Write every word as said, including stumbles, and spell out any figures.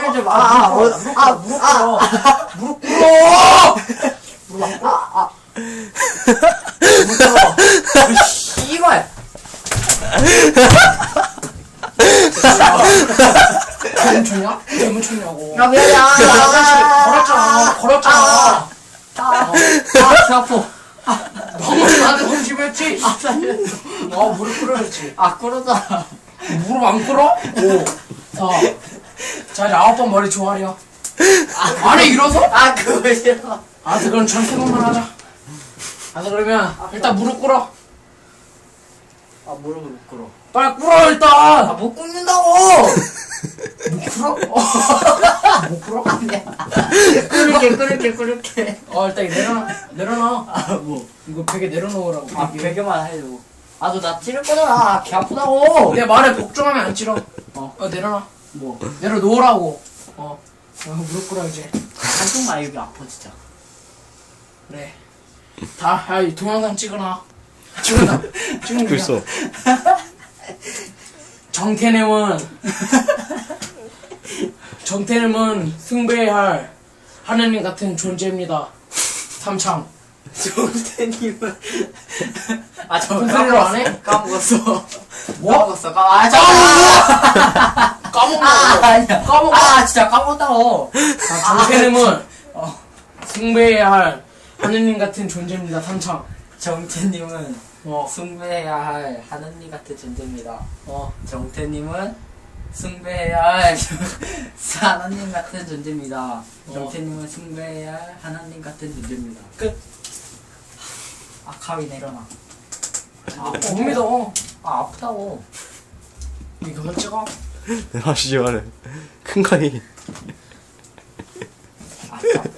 때리지 마. 아, 어, 아, 무릎 꿇어. 무릎 꿇어. 무릎 안 꿇어. 아, 아. 무릎 꿇어. 씨발. 왜 쳤냐? 왜 쳤냐고. 야, 미안해. 아, 걸었잖아. 걸었잖아. 아, 아, 배 아파. 너무 나한테 던지했지? 아, 살렸어. 어, 무릎 꿇어야지. 아, 꿇었잖아. 무릎 안 꿇어? 오. 자. 자, 이제 아홉 번 머리 조아려. 아, 안에 일어서? 아, 그거 싫어. 아, 그럼 전세번만 하자. 아, 그러면 일단 무릎 꿇어. 아, 무릎을 못 꿇어. 빨리 꿇어 아, 일단. 못 꿇는다고! 못 꿇어? 못 꿇어? 아니야. 꿇을게, 꿇을게, 꿇을게. 어, 일단 이거 내려놔. 내려놔. 아, 뭐. 이거 베개 내려놓으라고. 아, 베개만 해줘. 아, 너 나 찌를 거잖아. 개 아프다고. 내 말에 복종하면 안 찌러. 어. 어, 내려놔. 뭐. 내려놓으라고. 어. 어, 무릎 꿇어 이제. 한쪽만 여기 아파, 진짜. 그래. 다, 야, 이 동영상 찍어놔. 찍어놔. 찍는 거야. 있어. 정태님은 정태님은 숭배해야 할 하느님 같은 존재입니다. 삼창. 정태님은. 아, 저 무슨 소리로 안 해? 까먹었어. 뭐? 까먹었어. 까, 아, 잠깐만. 까먹는 아, 거. 아니야. 까먹어. 아, 진짜 까먹었다고. 아, 정태님은 어. 숭배해야 할 하느님 같은 존재입니다. 삼창. 정태님은 어. 숭배해야 할 하느님 같은 존재입니다. 어. 정태님은 숭배해야 할 하나님 같은 존재입니다. 어. 정태님은 숭배해야 할 하나님 같은 존재입니다. 끝. 아, 가위 내려놔. 아, 못 믿어. 아, 아프다고. 이거 그만 찍어. 하시지 말해. 큰 가위. 아, 진짜.